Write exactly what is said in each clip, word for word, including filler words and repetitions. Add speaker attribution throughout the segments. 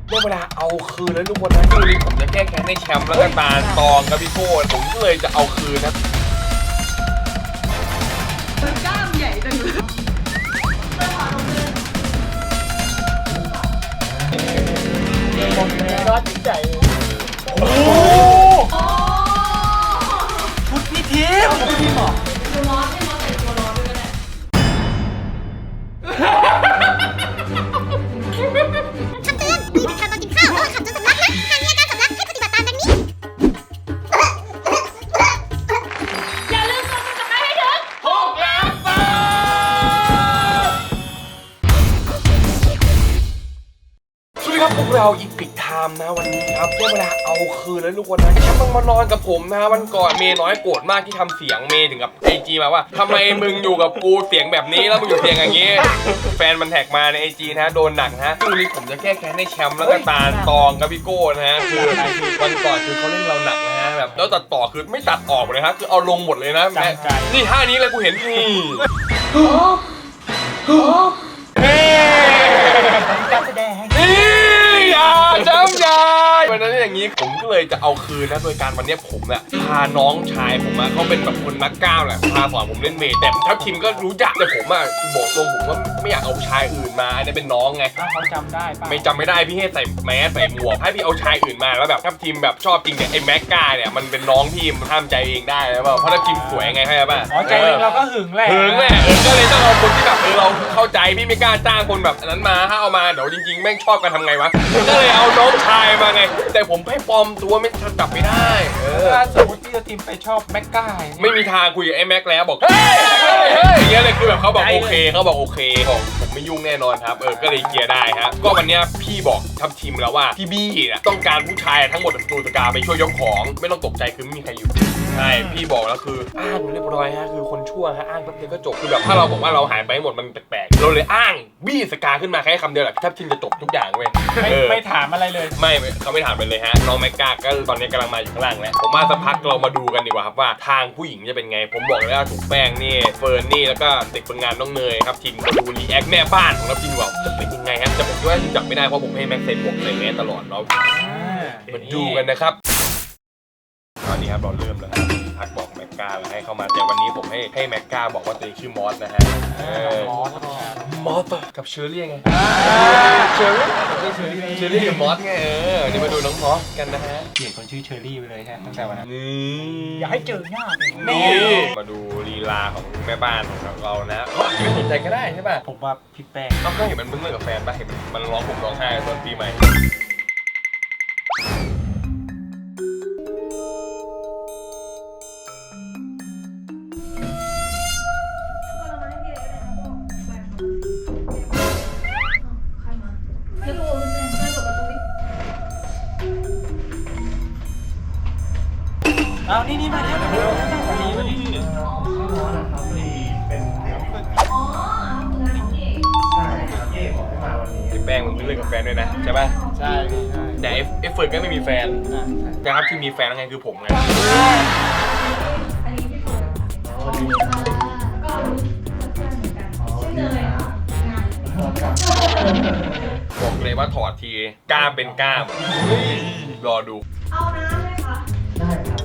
Speaker 1: ได้เวลาเอาคืนแล้วทุกคนนะช่วงนี้ผมจะแก้แค้นในแชมป์แล้วก็ตาตองกับพี่โก้ผมก็เลยจะเอาคืนนะ
Speaker 2: มันกล้ามใหญ่จังเลย
Speaker 3: ร้อนใจโอ้ชุดพี่ทิพย์พี่หมอตัวร้อนให้น้องใส่ตัวร้อนด้วยก็ได้
Speaker 4: คำเตือนนี่เป็นคำตอนกินข้าวระหว่างขับจนสำลักนะหากมีอาการสำลักให้ปฏิบัติตามดังนี้อย่าลืมกดติดตามให้ถึง
Speaker 1: หกล้านบาทสวัสดีครับพวกเราอีพิกไทม์นะวันนี้ครับได้เวลาเอาคืนแล้วทุกคนนะแชมป์ต้องมานอนกับผมนะวันก่อนเมย์น้อยโกรธมากที่ทำเสียงเมย์ถึงกับไอจีมาว่าทำไมมึงอยู่กับกูเสียงแบบนี้แล้วมึงอยู่เสียงอย่างนี้แฟนมันแท็กมาในไอจีนะโดนหนักนะช่วงนี้ผมจะแก้แค้นในแชมป์แล้วก็ตาตองกับพี่โก้นะฮะคือวันก่อนคือเขาเล่นเราหนักนะฮะแบบแล้วตัดต่อคือไม่ตัดออกเลยครับคือเอาลงหมดเลยนะแม่นี่ท่านี้เลยกูเห็นนี่เฮ้
Speaker 3: การแสดง
Speaker 1: นี่อย่าจำใจวันนั้นอย่างนี้ผมก็เลยจะเอาคืนนะโดยการวันนี้ผมเนี่ยพาน้องชายผมอะเขาเป็นแบบคนนักกล้ามแหละพาสอนผมเล่นเมย์แต่ทัพทีมก็รู้จักแต่ผมอะบอกตรงผมว่าไม่อยากเอาชายอื่นมาอันนี้เป็นน้องไง
Speaker 3: เขาจำได้ป่ะ
Speaker 1: ไม่จำไม่ได้พี่ให้ใส่แมสใส่หมวกให้พี่เอาชายอื่นมาแล้วแบบทัพทีมแบบชอบจริงเนี่ยไอ้แม็กกาเนี่ยมันเป็นน้องทีมห้ามใจเองได้แล้วเพราะทัพทีมสวยไงเข้าใจป่ะ
Speaker 3: อ๋อใจเองเราก็หึงแหละ
Speaker 1: หึงแหละก็เลยต้องเอาคนที่แบบเออเราเข้าใจพี่ไม่กล้าจ้างคนแบบนั้นมาถ้าเอามาเดี๋ยวจริงๆแม่งชอบกันทำไงวะก็เลยเอาน้องชายมาไงแต่ผมให้ปลอมตัวไม่จับไม่ได้เออ
Speaker 3: ถ้าสมมติที่เราทีมไปชอบแม็กก้า
Speaker 1: ไม่มีทางคุยกับไอ้แม็กแล้วบอกเฮ้ยเฮ้ยอย่างเงี้ยเลยคือแบบเขาบอกโอเคเขาบอกโอเคบอกผมไม่ยุ่งแน่นอนครับเออก็เลยเคลียร์ได้ฮะก็วันนี้พี่บอกทัพทีมแล้วว่าพี่บี้ต้องการผู้ชายทั้งหมดตูตะกาไปช่วยยกของไม่ต้องตกใจคือไม่มีใครอยู่ใช่พี่บอกแล้วคืออ้างเรียบร้อยฮะคือคนชั่วฮะอ้างแป๊บเดียวก็จบคือแบบถ้าเราบอกว่าเราหายไปหมดมันแปลกๆเราเลยอ้างบี้สกาขึ้นมาแค่คำเดียวแหละทัพทีมจะจบทุกอย่างเว้ย
Speaker 3: ไม่ไม่ถามอะไรเลย
Speaker 1: ไม่เขาไม่ถามไปเลยฮะน้องแม็กกาก็ตอนนี้กำลังมาอยู่ข้างล่างแล้วผมมาสักพักเรามาดูกันดีกว่าครับว่าทางผู้หญิงจะเป็นไงผมบอกเลยว่าถูกแป้งนี่เฟิร์นนี่แล้วก็เด็กฝึกงานน้องเนยครับทีมมาดูรีแอคแม่บ้านของเราทีมว่าจะเป็นยังไงฮะแต่ผมคิดว่าจับไม่ได้เพราะผมให้แม็กใส่หมวกใส่แมสตลอดเนาะมาดูกันนะครับตอนนี้ครับเราเริ่มแล้วครับพักบอกแม็กกาแล้วให้เข้ามาแต่วันนี้ผมให้ให้แม็กกาบอกว่าตัวเองชื่อมอสนะฮะ
Speaker 3: มอส
Speaker 1: มอสกับเชอร์รี่ไงเชอร์รี่เชอร์รี่เชอร์รี่กับมอสไงเออนี่มาดูน้องมอสกันนะฮะ
Speaker 3: เปลี่ยนคนชื่อเชอร์รี่ไปเลยใช่ตั้งแต่วันนั้น
Speaker 1: นี่
Speaker 3: อยากให้เจอหน้า
Speaker 1: นี่มาดูลีลาของแม่บ้านของเรานะไม่สนใจก็ได้ใช่ป่ะ
Speaker 3: ผมว่าพี่แป้ง
Speaker 1: เราก็เห็นมันเพิ่งเลิกกับแฟนป่ะเห็นมันร้องผมร้องไห้ตอนปีใหม่
Speaker 3: เอานี่นี่มาเดี๋ยวเดี๋ยววันนี้วันนี้
Speaker 1: ไอ้แป้งมึงเพิ่งเลิกกับแฟนด้วยนะใช่ป่ะ
Speaker 3: ใช่
Speaker 1: แต่ไอ้เฟิร์นก็ไม่มีแฟนแต่ครับที่มีแฟนแล้วไงคือผมไงบอกเลยว่าถอดทีกล้ามเป็นกล้ามรอดู
Speaker 2: เอาน้ำเลยค่ะได้ครับ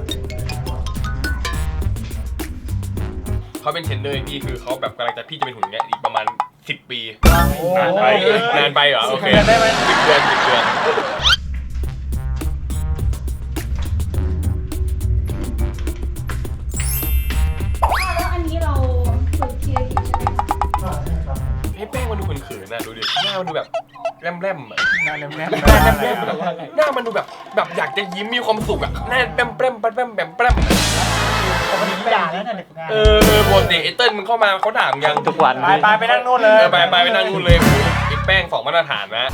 Speaker 1: เขาเป็นเทรนเนอร์พี่คือเขาแบบกำลังจะพี่จะเป็นหุ่นเงี้ยอีกประมาณสิบปีนานไปนานไปเหรอโอเคได้ไหมสิบเดือนสิบเดือน
Speaker 2: แล้วอันนี้เราฝึกทีละทีใช่ไหมคะ
Speaker 1: ให้แป้งมันดูเขินๆนะดูดิหน้ามันดูแบบแรมๆอ่ะ
Speaker 3: หน้าแรมๆหน้า
Speaker 1: แรมๆหน้ามันดูแบบแบบอยากจะยิ้มมีความสุขอ่ะหน้าแป้มแป้มแป้มแป้มแป้ม
Speaker 3: ผมมีด่าแล้วเนี่ย
Speaker 1: เออปกติไอ้เติ้ลมึงเข้ามาเขาด่ามึงยัง
Speaker 3: ทุกวันไปไปไปนั่งนู่นเลย
Speaker 1: ไปไปไปนั่งนู่นเลยไอ้แป้งสองมาตรฐานนะ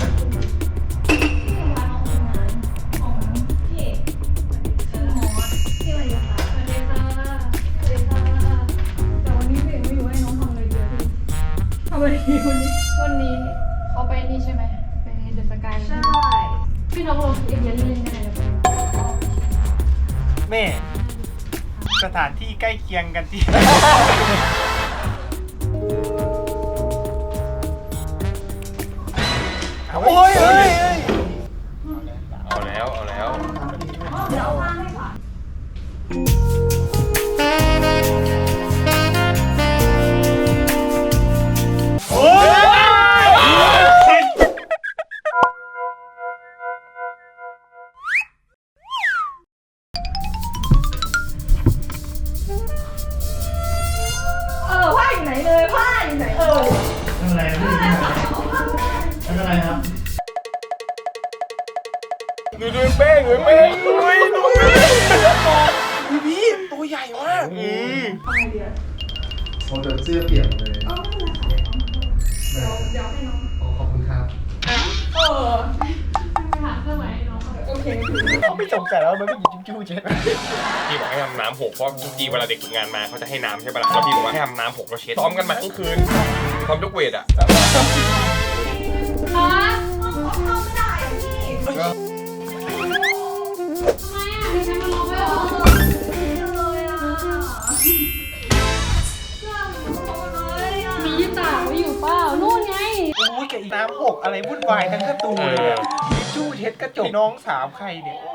Speaker 2: วันนี้วันนี้วันนี้เขาไปนี่ใช่ไหมไปเดอะสกายใช่พี่น้องเราเอเดียนเล่นได้เลย
Speaker 3: แม่สถานที่ใกล้เคียงกันที่โอ้ยเฮ้ย
Speaker 5: อะไรครับ
Speaker 1: ดูดูแป้งดูแป้งดูดูดูพี่ตัวใหญ่มากอืม
Speaker 5: โอ้แต่เสื้อเปียกเลย
Speaker 2: อ๋อเดี๋ยวเดี๋ยวให้น้อง
Speaker 5: โอ้ขอบคุณครับ
Speaker 2: เออไปหาเครื่องหมายให้น้องโอเค
Speaker 3: เขาไม่สงสัยแล้วมันไม่หยิบจิ้มจิ้มเช็ด
Speaker 1: พี่บอกให้ทำน้ำหกเพราะทุกทีเวลาเด็กฝึกงานมาเขาจะให้น้ำใช่ปะล่ะแล้วพี่บอกว่าให้ทำน้ำหกเราเช็ดซ้อมกันมาทั้งคืนซ้อมยกเวทอ่ะ
Speaker 2: ฮะ
Speaker 5: ก็
Speaker 2: ทำไมอ่ะดิฉันมันลงไม่ออกมียี่ตาไว้อยู่เปล่านู่นไง
Speaker 3: โอ้ยกับอีน้ำหกอะไรวุ่นวายทั้งกระตูเลยอะทิชชู่เช็ดกระจกน้องสามใครเนี่ยโอ้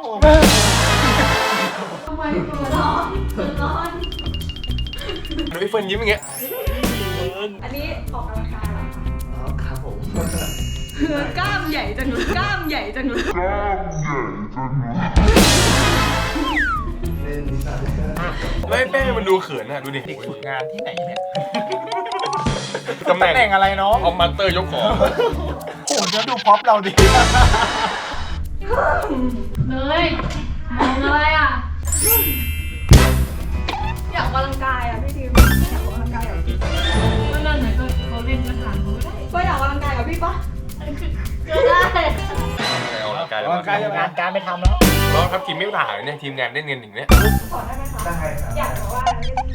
Speaker 2: ทำไมตัวร้อนตัวร้อน
Speaker 1: ดูไอ้เฟิร์นยิ้มอย่างเงี้ย
Speaker 2: อันนี้ออกกำลังกายเหรอคะ
Speaker 5: อ๋อครับผม
Speaker 2: กล้ามใหญ่จังเลยกล้ามใหญ่จังเลย
Speaker 5: เล่นนิสัย
Speaker 1: แล้วไอ้แป้งมันดูเขินอ่ะดูดิ
Speaker 3: เด็กฝึกงานที่ไหนเนี่ย
Speaker 1: ตำแหน่ง
Speaker 3: ตำแหน่งอะไรน้อง
Speaker 1: เอามาสเตอร์ยกของ
Speaker 3: โอ้โหจะดูพ็อปเราดิ
Speaker 2: เลยมองอะไรอ่ะอยากออกกำลังกายอ่ะพี่ทีมอยากออกกำลังกายกับพี่ก็นั่นไหนก็เขาเล่นกระถางก็ได้ก็อยากออกกำลังกายกับพี่ปะก็ได้
Speaker 1: เอาละกายแล้ว
Speaker 3: ร่างกายจะงานการไม่ทำแล้ว
Speaker 1: น้องครับทีมไม่ถ่ายเนี่ยทีมงานได้เงินอย่างเนี้ย
Speaker 2: ขอได้ไหมคะ
Speaker 5: ได้ครับ
Speaker 2: อยากบอกว่า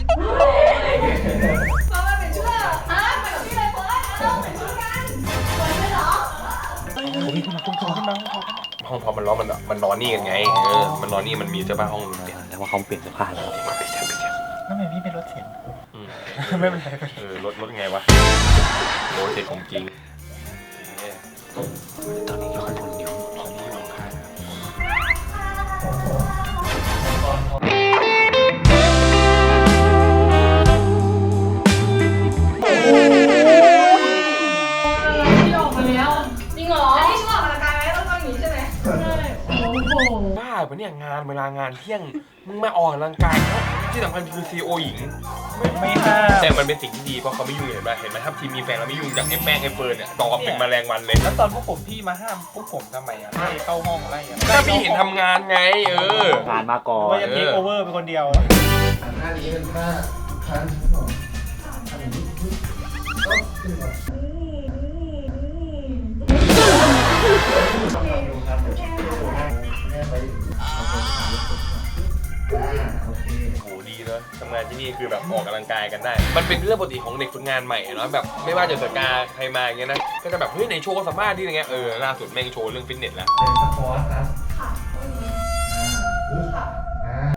Speaker 2: เพราะว่าเป็นชุดฮะไปกับพี่เลยเฟิร์สเราเป็นชุดกันสวยไหมเหรอ
Speaker 3: ผมมีคนมาคุ้มครองขึ้นมาคุ้มครอง
Speaker 1: ห้องพอมันร้อนมันมันนอนนี่กันไงเออมันนอนนี่มันมีเสื้อผ้าห้องนึงเนี่ย
Speaker 6: แต่ว่าเขาเปลี่ยนเสื้อผ้าแล้ว
Speaker 1: ไปเถอะไปเถอะ
Speaker 3: แล้วทำไมพี่เป็นรถเข็น
Speaker 1: อืม
Speaker 3: ไม่เป็นไร
Speaker 1: เออรถรถไงวะโอ้เด็กของจริง
Speaker 6: ตอนนี้อยู่ข้างบนนิ้วตอนนี้อยู่ข้าง
Speaker 2: ที่ออกมาแล้วจริงเหรออันนี้ชุดออกกำลังกายไหมต้องต้องอย่างนี้ใช่ไหมใช่โอ้โห
Speaker 1: บ้าปะเนี่ยงานเวลางานเที่ยงมึงมาออกกำลังกายครับที่สำคัญคือซีโอหญิง
Speaker 3: ไม่ห้าม
Speaker 1: แต่มันเป็นสิ่งที่ดีเพราะเขาไม่ยุ่งเห็นไหมเห็นไหมถ้าทีมมีแฟนแล้วไม่ยุ่งจากไอ้แป้งไอ้เฟิร์นเนี่ยตอเป็นแมลงวันเลย
Speaker 3: แล้วตอนพวกผมพี่มาห้ามพวกผมทำไมอ่ะไล่เข้าห้องไล่อะ
Speaker 1: ถ้าพี่เห็นทำงานไง เออ
Speaker 6: งานมาก่อน
Speaker 3: ว่าจะเทคโอเวอร์เป็นคนเดียว
Speaker 5: ท่านี้เป็นท่าคันครับผมอันนี้ก็ขึ้นมาดูครับเดี๋ยวแม่ไปเอาไปถ่ายรูปอ่าโอเค
Speaker 1: โหดีเนอะทำงานที่นี่คือแบบออกกำลังกายกันได้ มันเป็นเรื่องปกติของเด็กฝึกงานใหม่เนาะแบบไม่ว่าจะสกาใครมาอย่างเงี้ยนะก็จะแบบเฮ้ยในโชว์สามารถที่อะไรเงี้ยเออล่าสุดแม่งโชว์เรื่องฟิตเนสแล้ว
Speaker 5: เป็นสปอร์ตครับ
Speaker 2: ค่ะ
Speaker 5: อ่าอ่า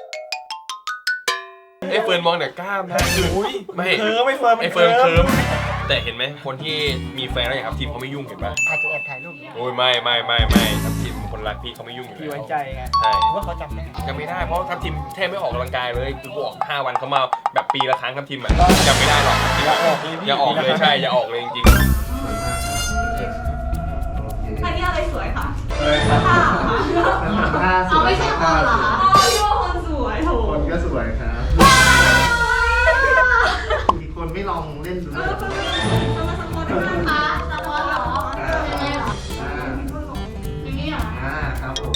Speaker 1: ไอ้เฟิร์นมองแต่กล้ามนะคือ
Speaker 3: อุ้ย
Speaker 1: ไม่
Speaker 3: เคิร์มไม่เฟิร์ม
Speaker 1: ไอ้เฟิร์นเคิร์มแต่เห็นไหมคนที่มีแฟนแล้วอย่างครับทีมเขาไม่ยุ่งเห็นปะ
Speaker 3: อาจจะแอบถ่ายรูป
Speaker 1: โอ้ยไม่ไม่ไม่ไม่ทัพทีมคนรักพี่เขาไม่ยุ่งอยู่
Speaker 3: พี่
Speaker 1: แล้ว
Speaker 3: ไว้ใจไง
Speaker 1: ใช่
Speaker 3: ว่าเขาจำได้
Speaker 1: จำไม่ได้เพราะทัพทีมแทบไม่ออกกำลังกายเลยคือบอกห้าวันเขามาแบบปีละครั้งทัพทีมอะจำไม่ได้หรอก
Speaker 3: อย่าออกเลยพี่
Speaker 1: อย่าออกเลยใช่อย่าออกเลยจริง
Speaker 2: อันนี้อะไรสวยค่ะ
Speaker 5: เลยครับท่าส
Speaker 2: เอา
Speaker 5: วย
Speaker 2: ไม่ใช่คนเหรอคะอ๋อพี่ว่าคนสวยโถ
Speaker 5: คนก็สวยครับมีคนไม่ลองเล่นดูเลย
Speaker 2: คะสปอร์ตเหรอยังไงเหรอ
Speaker 5: อ่า
Speaker 2: อย่างนี้เหรอ
Speaker 5: อ่าครับผม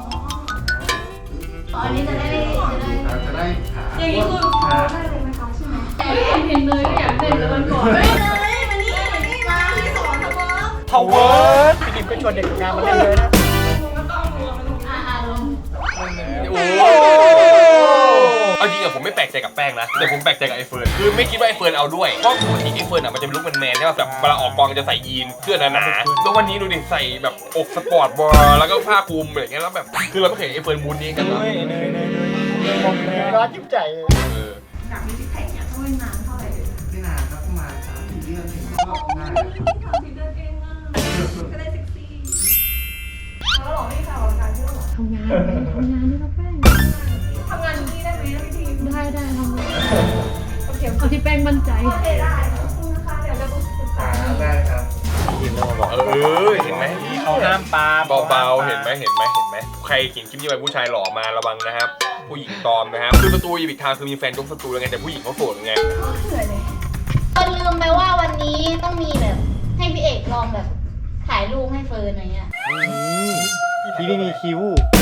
Speaker 2: อ๋ออันนี้จะได้จะได้
Speaker 5: เราจะได้ขา
Speaker 2: อย่างนี้คือ
Speaker 5: ขา
Speaker 2: ได้เลยไหมคะใช่ไหมแต่เห็นเลยก็อยากเต้นแล้วมันก่อนเฮ้ยเลยมานี่มานี่มาที่สอนสปอร์ต
Speaker 3: ทาวเวอร์พี่ดิมก็ชวนเด็กฝึกงานมาเล่นเลยนะ
Speaker 2: ก็ต้องรวมอ่าลง
Speaker 1: ๆโอ้เอาจริงอะผมไม่แปลกใจกับแป้งนะแต่ผมแปลกใจกับไอ้เฟิร์นคือไม่คิดว่าไอ้เฟิร์นเอาด้วยเพราะปกติไอ้เฟิร์นอะมันจะเป็นลุคแมนๆใช่ป่ะแบบเวลาออกกองจะใส่ยีนเสื้อหนาๆแล้ววันนี้ดูดิใส่แบบอกสปอร์ตบอลแล้วก็ผ้าคลุมอะไรอย่างเงี้ยแล้วแบบคือเราไม่เคยเห็นไอ้เฟิร์นมูนนี้กัน
Speaker 3: เน
Speaker 1: เนาะ
Speaker 3: ยเนยเนยเนยมองเนยร้อนยิ้มใจ
Speaker 1: เออ
Speaker 2: อยากมีซิกแพคเนี่ยต้องเล่นนานเท่าไหร่
Speaker 5: ไม่นานครับประมาณสามสี่เดือนถึงก็ได้นะครับ
Speaker 2: ทำทีเดินเองอ่ะก็ได้เซ็กซี่แล้วหรอไม่ค่ะออกกำลังกายที่หรอ
Speaker 7: ทำงานทำงานนี่เราแป้ง
Speaker 2: ทำงานที่นี่ได้ไหมพี่ทีม
Speaker 7: ได้ได้ทำงาน
Speaker 2: โอเค
Speaker 7: เอาที่แป้งมั่นใจ
Speaker 2: โอเคได้ขอบคุณนะคะเดี๋ยวจะต้องศึกษา
Speaker 5: อ่าได้ครับ
Speaker 6: ทีมเริ่มมาบอก
Speaker 1: เออเห็นไหม
Speaker 3: เขาห้ามปลา
Speaker 1: เบาๆเห็นไหมเห็นไหมเห็นไหมใครเขียนคลิปนี้ไปผู้ชายหล่อมาระวังนะครับผู้หญิงตอมนะครับคือประตูอีบิคทางคือมีแฟนยกประตูแล้วไงแต่ผู้หญิงเขาโสดไง
Speaker 2: เหนื่อยเลย
Speaker 4: ก็ลืมไปว่าวันนี้ต้องมีแบบให้พี่เอกลองแบบท
Speaker 8: ายรูปให้เฟิร์นอะไรเงี้ย
Speaker 6: พี่ไม่มีคิว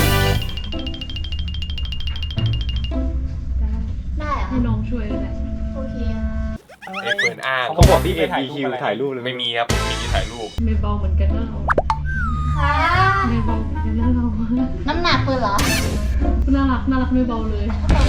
Speaker 8: ได้เหรอ
Speaker 7: ให้น้องช่วยก็ได้
Speaker 8: โอเค
Speaker 1: ไอ้เฟิร์นอ้าง
Speaker 6: เขาบอกพี่เอ็นมีคิวถ่ายรูปเลย
Speaker 1: ไม่มีครับผมมีที่ถ่ายรูป
Speaker 7: ไม่เบาเหมือนกันนะเรา
Speaker 8: ค่ะ
Speaker 7: ไม่เบาเหมือนกันนะเรา
Speaker 8: น้ำหนักเฟิร์นเหรอ
Speaker 7: น่ารักน่ารักไม่เบาเลย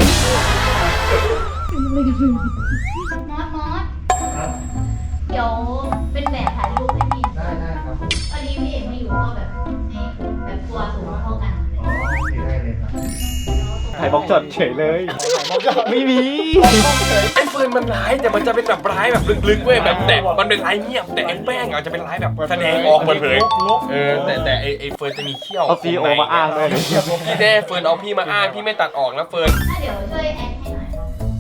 Speaker 7: เป็นอะไรกันเลย
Speaker 8: มอสมอสเดี๋ยวเป็นแบบถ่ายรูปให้พี่
Speaker 5: ได้ได้ครับผม
Speaker 8: พอดีพี่เอกไม่อยู่ก็แบบให้แบบตัวสูงเท่ากัน
Speaker 5: อ๋อโอเคได้เลยครับ
Speaker 6: ถ่ายบล็อกช็อตเฉยเลย ไม่มี
Speaker 1: ไอ้เฟิร์นมันร้ายแต่มันจะเป็นแบบร้ายแบบลึกๆเว้ยแบบแต่มันเป็นร้ายเงียบแต่ไอ้แป้งอาจจะเป็นร้ายแบบแสดงออกเปิดเผยเออแต่แต่ไอ้ไอ้เฟิร์นจะมีเขี้ยว
Speaker 6: เอาซีโอมาอ้างด้วย
Speaker 1: พี่แน่เฟิร์นเอาพี่มาอ้างพี่ไม่ตัดออกนะเฟิร์น
Speaker 8: ถ้าเดี๋ยวช่วยแอดให้หน่อย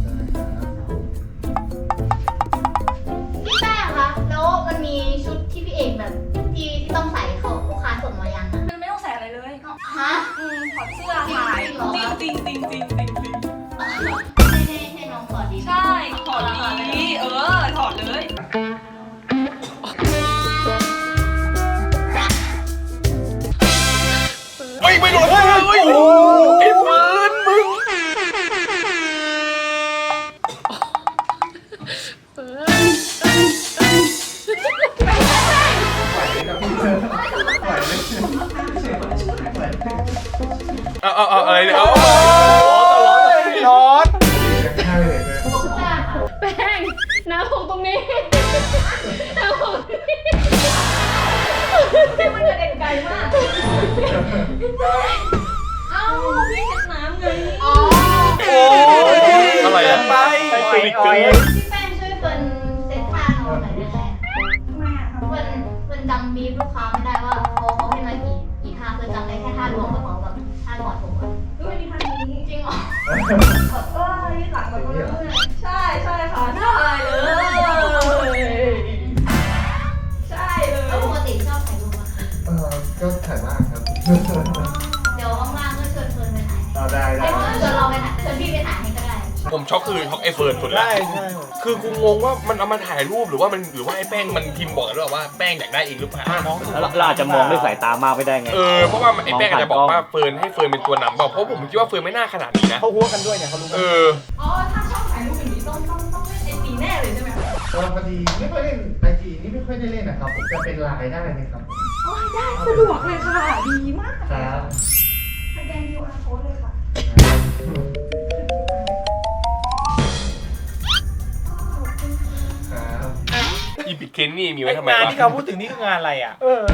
Speaker 8: พี่แป้งคะแล้วมันมีชุดที่พี่เอกแบบที่ที่ต้องใส่เขาลูกค้าส่งมายังอะ
Speaker 2: มันไม่ต้องใส่อะไรเลย
Speaker 8: ฮะ
Speaker 2: อืมถอดเสื้อถ่ายจริงจริงจริงจริงจริงจริง
Speaker 8: ให้ให้ให้น้องขอดี
Speaker 2: ใช่ถอดดีเออถอดเลย
Speaker 1: เฮ้ยไม่โดนเฮ้ยเฮ้ยไอ้เฟิร์นมึง เอาเอาเอาอะไรเนี่ยเอา
Speaker 3: ร้อน
Speaker 5: ใช่เลยนะ
Speaker 7: แป้งน้ำหกตรงนี้น้ำหกตรงนี้
Speaker 2: พี่มันกระเด็นไกลมาก เอ้าพี่เห็นน้ำไง
Speaker 8: อ๋อ
Speaker 3: โอ้ย
Speaker 1: อะไรอ่ะ
Speaker 3: ไปไปไป
Speaker 8: พี่แป้งช่วยเฟิร์นเซ็ตท่าน้องหน่อยได้ไหม
Speaker 2: ทำไมอ่ะ
Speaker 8: เฟิร์นเฟิร์นจำบีบลูกค้าไม่ได้ว่าเขาเขาให้มากี่กี่ท่าเฟิร์นจำได้แค่ท่ารวมกับเขาแบบท่ากอดผมอะ
Speaker 2: ก็ไม่มีทางนี้
Speaker 8: จริงเหรอ
Speaker 2: แบบก็ยืดหลังแบบก็ใช่ใช่ค่ะได้เลยใช่เล
Speaker 8: แล้ว
Speaker 2: ย
Speaker 8: ปกติชอบถ่ายรูปอะ
Speaker 5: เออก็ถ่ายมากครับ
Speaker 8: เดี๋ยวว่างๆก็ชวนเฟิร์นไปถ่าย
Speaker 5: เอาได้ได้
Speaker 8: ไอ้ยชวนเราไปถ่ายชวนพี่ไปถ่ายให้ก็ได้
Speaker 1: ผมช็อกคือช็อกไอ้เฟิร์นสุดละ
Speaker 3: ได้ใช่
Speaker 1: คือกูงงว่ามันเอามาถ่ายรูปหรือว่ามันหรือว่าไอ้แป้งมันพิมพ์บอกหรือเปล่าว่าแป้งอยากได้เองหรือเปล่า
Speaker 3: น้อง
Speaker 6: แล้วเราอาจจะมองด้วยสายตามากไม่ได้ไง
Speaker 1: เออเพราะว่าไอ้แป้งอาจจะบอกว่าเฟิร์นให้เฟิร์นเป็นตัวนำเปล่าเพราะผมคิดว่าเฟิร์นไม่น่าขนาดนี้นะ
Speaker 3: เขาหัวกันด้วยเนี่ยเขารู้
Speaker 1: เอ
Speaker 3: กัน
Speaker 1: อ
Speaker 2: อ๋อถ้าชอบถ่ายรูปอย่างนี้ต้องต้องต้องเล่นไอจีแน่เลยใช่ไหมคะ
Speaker 5: เออพอดีไม่ค่อยเล่นไอจีนี่ไม่ค่อยได้เล่นนะครับผมจะเป็นไลน์ได้ไหมครับ
Speaker 2: โอ้ยได้สะดวกเลยค่ะดีมาก
Speaker 5: ครับ
Speaker 2: สแกน คิว อาร์ code เลยค่ะ
Speaker 5: ครับ
Speaker 1: อีพิกเคนนี่มีไว้ทำไม
Speaker 3: งาน
Speaker 1: วะ
Speaker 3: ที่เขาพูดถึงนี่คืองานอะไรอ่ะ เออ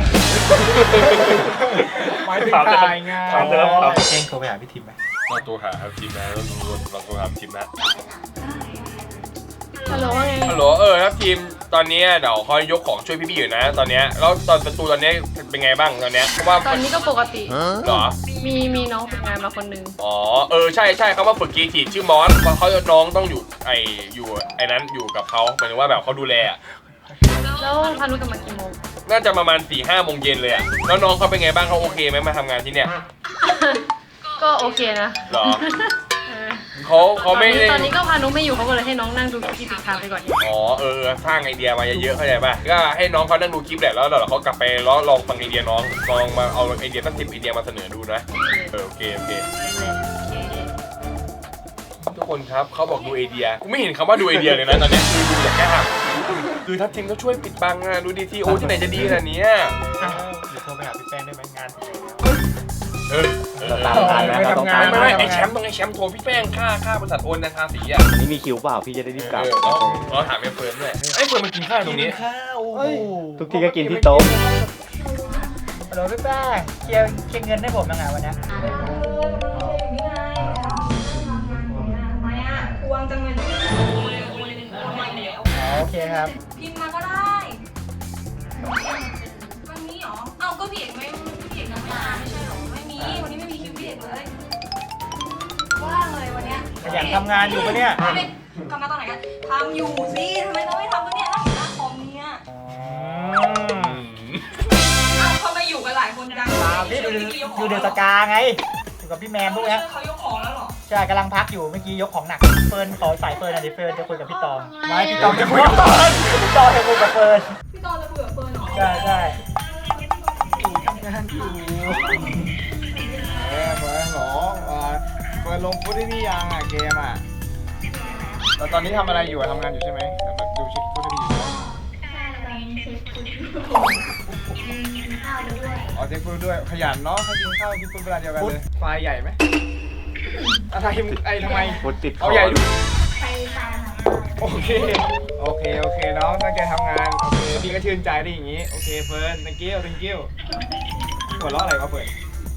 Speaker 3: หมายถึงถ่ายงาน
Speaker 6: ถามเดิมครับ
Speaker 3: เก่งโทรไปหาพี่ทิมไหม
Speaker 1: เราตัวหาครับทีมนะเราเราตัวหาทีมนะ
Speaker 7: ฮัลโหลว่าไง
Speaker 1: ฮัลโหลเออครับทีมตอนนี้เดี๋ยวคอยยกของช่วยพี่ๆอยู่นะ ตอนเนี้ยแล้วตอนประตูตอนนี้เป็นไงบ้างตอนเนี้ยเพราะว่า
Speaker 7: ตอนนี้ก็ปกติ
Speaker 1: เหรอ
Speaker 7: มีมีน้องฝึกงานมาคนหนึง
Speaker 1: อ๋อเออใช่ใช่เขามาฝึกกีทีชื่อมอสเพราะเขาน้องต้องอยู่ไออยู่ไอนั้นอยู่กับเขาหมายถึงว่าแบบเขาดูแลอะ
Speaker 7: แล้วพานุกลับมากี่โมง
Speaker 1: น่าจะประมาณสี่ห้าโมงเย็นเลยอะแล้วน้องเขาเป็นไงบ้างเขาโอเคไหมมาทำงานที่เนี่ย
Speaker 7: ก็โอเคนะ
Speaker 1: เหรอ
Speaker 7: เออ
Speaker 1: เขาเขาไม่ได้
Speaker 7: ตอนนี้ก็พานุไม่อยู่เขาก็เลยให้น้องนั่งดูคลิปติดทางไปก่อน
Speaker 1: อ๋อเออสร้างไอเดียมาเยอะๆเข้าใจป่ะก็ให้น้องเขานั่งดูคลิปแหละแล้วเดี๋ยวเขากลับไปแล้วลองฟังไอเดียน้องลองมาเอาไอเดียตั้งสิบไอเดียมาเสนอดูนะเออโอเคโอเคทุกคนครับเขาบอกดูไอเดียกูไม่เห็นคำว่าดูไอเดียเลยนะตอนเนี้ยคือดูแต่แค่หักคือทัพทีมก็ช่วยปิดบังอะดูดีทีโอที่ไหนจะดีขนาดเนี้ย
Speaker 3: อ้าวเดี๋ยวโทรไปหาพี่แป้งได้ไหมงานถึงแล้ว
Speaker 1: เออเออ
Speaker 6: เราตามทันนะเราต้องตาม
Speaker 1: ไม่
Speaker 6: ทัน
Speaker 1: ไม่ไอแชมป์ต้องไอแชมป์โทรพี่แป้งค่าค่าบริษัทโอนนะค่าสีอ่ะ
Speaker 6: วันนี้มีคิวเปล่าพี่จะได้รีบกลับ
Speaker 1: เออเราเราถามไอ้เฟิร์นด้วยไอ้เฟิร์นมันกินข้าวตรงนี้
Speaker 3: ข้าวโอ้โห
Speaker 6: ทุกทีก็กินที่โต๊ะ
Speaker 3: ฮัลโหลพี่แป้งเคลียร์เคลียร์เงินให้ผมยังไงวันนี้
Speaker 2: เอออย่างนี้ไงทำไมอ่ะทวงจังเลยทำไมแล้ว
Speaker 3: อ๋อโอเคครับ
Speaker 2: พิมพ์มาก็ได้ วันนี้เหรอ เอ้าก็พี่เอกไม่พี่เอกยังไม่มาไม่ใช่เหรอ ไม่มี วันนี้ไม่มีคิวพี่เอกเลยว่างเลยวันเนี้ย
Speaker 3: ขยันทำงานอยู่ปะเนี่ย
Speaker 2: ไม่ทำงานตอนไหนกันทำอยู่สิทำไมเราไม่ทำกันเนี่ยนั่งอยู่หน้าคอมเนี่ย
Speaker 3: อืม
Speaker 2: เอ้าทำไมอยู่กันหลายคนจัง
Speaker 3: ตามนี่ดูดูดูเดือดสกาไงอยู่กับพี่แมนพวกเนี้ย
Speaker 2: เขายกของแล้วเหรอ
Speaker 3: ใช่กำลังพักอยู่เมื่อกี้ยกของหนักเฟิร์นขอสายเฟิร์นอ่ะดิเฟิร์นจะคุยกับพี่ตองไม่พี่ตองจะคุยกับเฟิร์นพี่ตองจะคุยกับเฟิร์น
Speaker 2: พี่ตอนจะคุยกับเฟิร์นเหรอ
Speaker 3: ใช่ใช่เออเฟิร์นหรอเออเฟิร์นลงฟุตได้นี่ยังอ่ะเกมอ่ะแล้วตอนนี้ทำอะไรอยู่อะทำงานอยู่ใช่ไหมแต่แบบดูเช็คฟุตได้ดีอยู่
Speaker 8: ใช่ตอนนี้เช็คคุณกินข้าวด้วย
Speaker 3: อ๋อเช็คฟุตด้วยขยันเนาะถ้ากินข้าวกินฟุตเวลาเดียวกันเลยไฟล์ใหญ่ไหมอะไรไอ้ทำไม
Speaker 6: ฟุตติดค
Speaker 3: เอาใหญ่ดู
Speaker 8: ไปตามหา
Speaker 3: โอเคโอเคโอเคน้องตั้งใจทำงานโอเคพี่ก็ชื่นใจได้อย่างงี้โอเคเฟิร์น thank you thank you หัวเราะอะไรวะเฟิร์น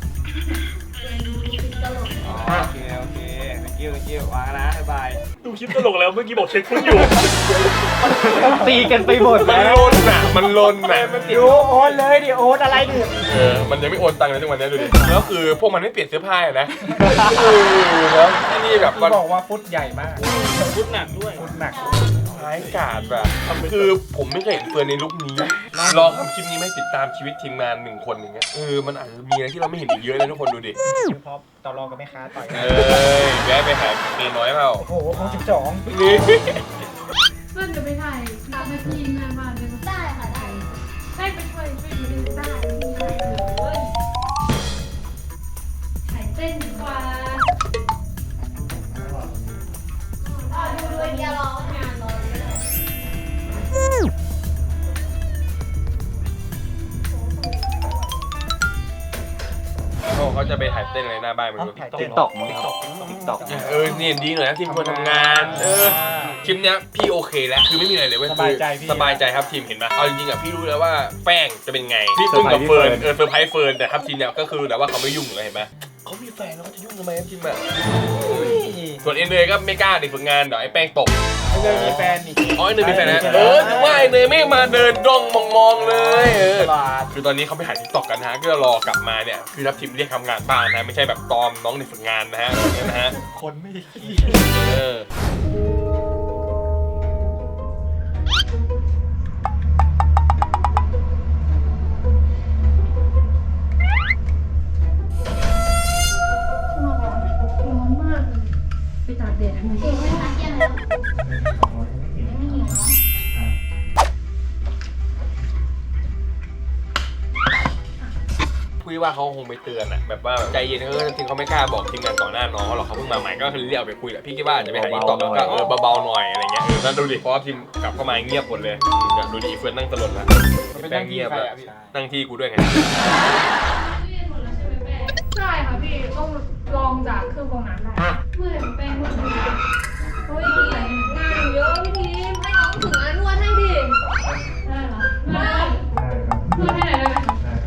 Speaker 8: ตลก
Speaker 3: อ๋อโอเคโอเค thank you thank you วางนะบ๊ายบาย
Speaker 9: ดูคลิปตลกแล้วเมื่อกี้บอกเช็คฟุตอยู่
Speaker 6: ตีกันไปหมด
Speaker 1: มัน
Speaker 6: แล้ว
Speaker 1: ลนน่ะมันลนน่ะ
Speaker 3: ดูโอนเลยดิโอนอะไรดิ
Speaker 1: เออมันยังไม่โอนตังค์เลยทุกวันนี้ดูดิแล้วคือพวกมันไม่เปลี่ยนเสื้อผ้านะเออแล้วไอ้นี่แบบ
Speaker 3: พี่บอกว่าฟุตใหญ่มาก
Speaker 9: ฟุตหนักด้วย
Speaker 3: ฟุตหนัก
Speaker 1: ร้ายกาจแบบคือผมไม่เคยเห็นเฟิร์นในลุคนี้ลองทำคลิปนี้ไม่ติดตามชีวิตทีมงานหนึ่งคนอย่างเงี้ยเออมันอาจจะมีอะไรที่เราไม่เห็นอีกเยอะเลยทุกคนดูดิ
Speaker 3: พร้อมต่อรองกับแม่ค้าต่อย
Speaker 1: เออแวะไปหาเมย์น้อยเปล่า
Speaker 3: โอ้โหของสิบสอง
Speaker 1: นี่
Speaker 7: เพื่อนจะไปถ่ายรับหน้าที่หน้าบ้านได้ไหม
Speaker 8: ได้ค่ะได้
Speaker 7: ให้ไปช่วยช่วยดูดิได้เลยถ่ายเต้นดีกว่า
Speaker 8: อ๋อดูด้วยเดียวรองานรอเลย
Speaker 1: โอ้เขาจะไปถ่ายเต้นอะไรหน้าบ้านมึงดู
Speaker 6: ติ๊กตอกมั้งครับติ๊กตอก
Speaker 1: เออนี่ดีหน่อยนะทีมคนทำงานเออคลิปเนี้ยพี่โอเคแล้วคือไม่มีอะไรเลยเว้ย
Speaker 3: สบายใจพี่
Speaker 1: สบายใจครับทีมเห็นไหมเอาจริงๆอ่ะพี่รู้แล้วว่าแป้งจะเป็นไงพี่ตุ้มกับเฟิร์นเออเซอร์ไพรส์เฟิร์นแต่ครับทีมเนี่ยก็คือแต่ว่าเขาไม่ยุ่งเลยเห็นไหมเขามีแฟนแล้วเขาจะยุ่งทำไมครับทีมอ่ะส่วนเอ็นเนยก็ไม่กล้าเด็กฝึกงานเดี๋ยวไอ้แป้งตก
Speaker 3: ไอ้เลยมีแฟนนี่
Speaker 1: อ๋อไอ้เนยมีแฟนนะเออถึงว่าไอ้เนยไม่มาเดินด้องมองๆเลยเออ
Speaker 3: ตลาด
Speaker 1: คือตอนนี้เขาไปถ่ายทิกตอกกันนะฮะก็รอกลับมาเนี่ยคือรับทีมเรียกทำงานบ้านนะไม่ใช่แบบตอมน้องเด็กฝึกงานนะฮะนะฮะ
Speaker 3: คนไม่ได้ขี้
Speaker 1: เออ
Speaker 7: ร้อนมากเลยไปตากแดดทำไม
Speaker 8: เก่งไหมคะเก่งแล้วไม่หิวเนาะ
Speaker 1: คุยว่าเขาคงไปเตือนอะแบบว่าใจเย็นเขาก็จริงเขาไม่กล้าบอกทีมงานต่อหน้าน้องเขาหรอกเขาเพิ่งมาใหม่ก็คือเรียกไปคุยแหละพี่คิดว่าอาจจะไปหาอีกต่อแล้วก็เออเบาๆหน่อยอะไรเงี้ยเออนั่นดูดิเพราะว่าทีมกลับเข้ามาเงียบหมดเลยเนี่ยดูดิเฟิร์นนั่งตลดแล้ว
Speaker 3: เป็น
Speaker 1: แป้
Speaker 3: นั่
Speaker 1: ง
Speaker 3: งที่
Speaker 1: เงียบ
Speaker 3: ใคร
Speaker 1: แล้ว
Speaker 3: อ่ะพี่
Speaker 1: นั่งที่กูด้วยไง
Speaker 7: ใช่ค่ะพี่ต้องลองจากเครื่องกรองน้ำได้เมื่อไหร่แป้งเมื่อไหร่เฮ้ยงานเยอะพี่ทีมให้น้องถึงงานนวดให้ดิได้เหรอได้นวดให้ไหนอยได้ไหม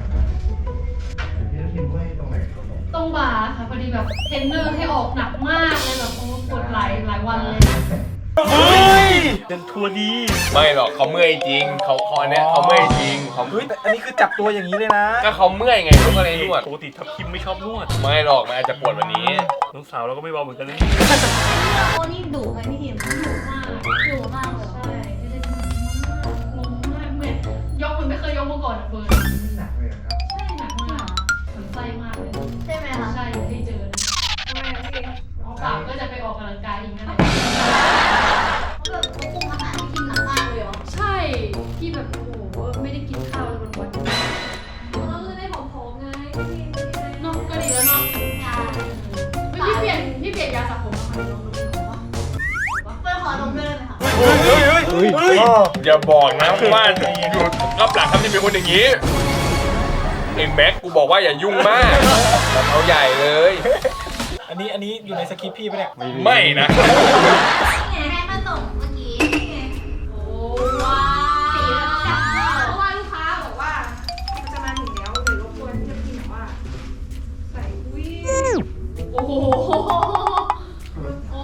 Speaker 7: ตรงบ่าค่ะพอดีแบบเทรนเนอร์ให้ออกหนักมากเลยแบบโอ้ปวดหลายหลายวันเลย
Speaker 1: เฮ้ย
Speaker 9: เป็นทัวร์ดี
Speaker 1: ไม่หรอกเขาเมื่อยจริงเขาเขาอันเนี้ยเขาเมื่อยจริงเขา
Speaker 3: เฮ้ยแต่อันนี้คือจับตัวอย่างนี้เลยนะ
Speaker 1: ก็เขาเมื่อยไงเขาก็เลยนวด
Speaker 9: ปกติทับคิมไม่ชอบนวด
Speaker 1: ไม่หรอกมันอาจจะปวดวันนี้
Speaker 9: น้องสาวเราก็ไม่เบาเหมือนกันนะ
Speaker 8: โอ้นี่ดุไหมพี่ทีม
Speaker 7: ดุมาก
Speaker 8: ดุมากเลย
Speaker 7: ใช่ไม่ได้งงมากเหมือนยกมันไม่เคยยกมาก่อนอะเฟิร์น
Speaker 5: หนักเลยครับ
Speaker 7: ใช่หนักมากสนใจมากเลย
Speaker 8: ใช่ไหมคะ
Speaker 7: ใช่อยากให้เจอนะทำไมอะพี่เอาปากก็จะไปออกกำลังกายอีกนั่นแหละ
Speaker 8: เขาแบบเขาคุมอาหารที่กินหนักมากเลยเหรอ
Speaker 7: ใช่ที่แบบโอ้โหไม่ได้กินข้าวเลยวันวันเราจะได้ผอมๆไงเนาะก็ดีแล้วเนาะ
Speaker 8: ใช่
Speaker 7: พี่เปลี่ยนพี่เปลี่ยนยาสระผมมาใหม่ลองดูดิของวะ
Speaker 8: เพื่อนขอดมด้วยได้ไหมคะ
Speaker 1: เฮ้ยเฮ้ยเฮ้ยเฮ้ยอย่าบอกนะว่าอยู่รับหลังทำที่เป็นคนอย่างนี้ไอ้แม็กกูบอกว่าอย่ายุ่งมากแบบเอาใหญ่เลย
Speaker 3: อันนี้อันนี้อยู่ในสคริปต์พี่ปะเนี่ย
Speaker 1: ไม่นะ
Speaker 8: นี่ไงให้มาส่งเมื่อกี้นี่ไง
Speaker 7: โอ้
Speaker 8: ว้า
Speaker 7: สี
Speaker 8: ว
Speaker 7: เพราะว่าลูกค้าบอกว่ามันจะมาถึงแล้วเดี๋ยวรบกวนจะพิมพ์ว่าใส่อุ้ยโอ้โหโอ้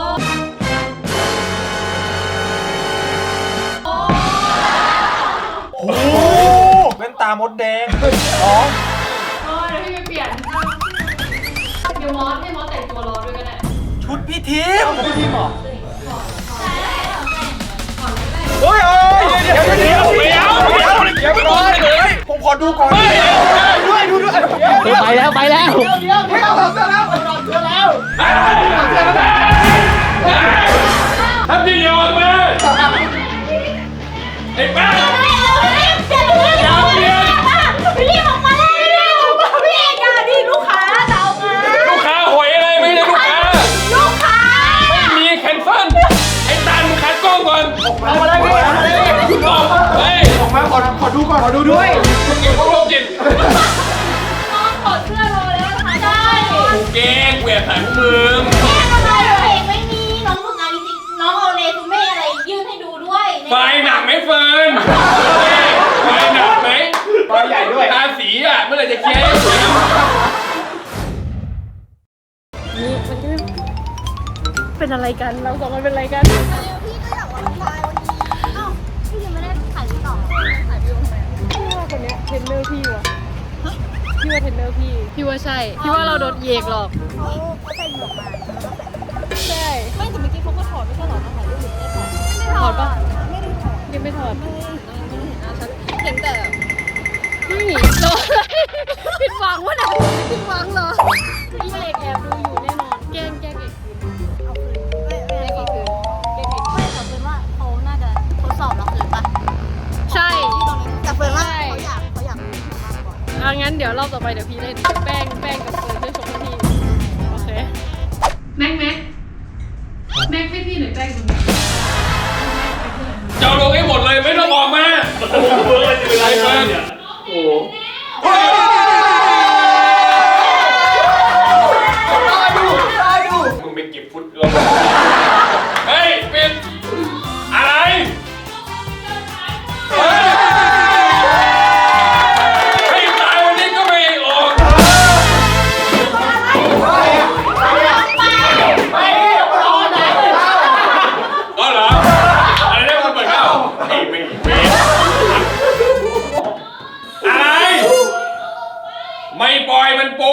Speaker 7: โอ้
Speaker 3: โอ้โหแว่นตามดแดงอ๋อ
Speaker 7: เออเดี๋ยวพี่ไปเปลี่ยนเดี๋ยวมอสให้มอสแต่งตัวรอด้วยก็ได้
Speaker 3: ชุดพี่ทีมพี่ทีมเหรอ
Speaker 7: ก่อน
Speaker 8: ใช่แล้วเหรอแม่
Speaker 7: ก่อนเลย
Speaker 3: เฮ้ยเอ้ยเดี๋ยวเดี๋ยวเดี๋ยวเดี๋ยวเดี๋ยวเดี๋ยวก่อนเลยผมขอดูก่อนด้วยดูด้วย
Speaker 6: ไปแล้วไปแล้ว
Speaker 3: เดี๋ยวเดี๋ยวเดี๋ยวเสร็จแล้วเสร็จแล้ว
Speaker 1: ทำที่ยอมมาไอ้แป้ง
Speaker 8: เร็วเร็วเร็วเร็วเร็วรีบออกมาเร็ว
Speaker 1: เมื่อไหร่จะเคลียร์ให้เสร็จ
Speaker 7: นี่มันก็เป็นอะไรกันเราสองคนเป็นอะไรกัน
Speaker 8: พี่ก็อยากออกกำลังกายวันนี้เอ้าพี่ยังไม่ได้ถ่ายวิดีโอถ่ายวิดีโอทำไม
Speaker 7: พี่ว่าคนเนี้ยเทรนเนอร์พี่วะพี่ว่าเทรนเนอร์พี่พี่ว่าใช่พี่ว่าเราโดนเยกหรอก
Speaker 8: เขาเขาใส่หมวกมาแล้วก็ใส่
Speaker 7: ใช่ไม่แต่เมื่อกี้เขาก็ถอดไม่ใช่หรอมาถ่ายรูปหรือไม่ได้ถอดถอดปะ
Speaker 8: ไม่ได้ถอด
Speaker 7: ยังไม่ถอด
Speaker 8: ไม่ได้เห็นอะไรไม่ได้เห็นหน้าชัด
Speaker 7: เห็นแต่นี่โดนผิดหวังวะนะผิดหวังเหรอพี่เอกแอบดูอยู่แน่นอนแกล้งแกล้งเอกคืน
Speaker 8: เอาคืนไม่ไม่
Speaker 7: แกล้งเอกคืนแกล้งเอก
Speaker 8: ไม่แต่เฟิร์นว่าเขาน่าจะทดสอบเราคืนปะ
Speaker 7: ใช่
Speaker 8: ที่ตรงนี้แต่เฟิร์นว่าเขาอยากเขาอยากคืนมากกว่า
Speaker 7: อ่ะงั้นเดี๋ยวรอบต่อไปเดี๋ยวพี่เล่นแป้งแป้งกับเฟิร์นช่วยชมให้พี่โอเคแม็กแม็กแม็กให้พี่หน่อยแป้งตรงนี้
Speaker 1: จะเอาลงให้หมดเลยไม่ต้องออกมา
Speaker 9: โอ้โหเบอร์อะไรจะเป็นไรกันเนี่ยโอ้โห
Speaker 1: มึงไปเก็บฟุตลงเฮ้ยเป็นอะไรเฮ้ยให้ตายวันนี้ก็ไม่ออก อ๋อเหรออะไรเนี่ยมันเปิดเข้าไอ้ไม่เว้ยอะไร ไม่ปล่อยมันโป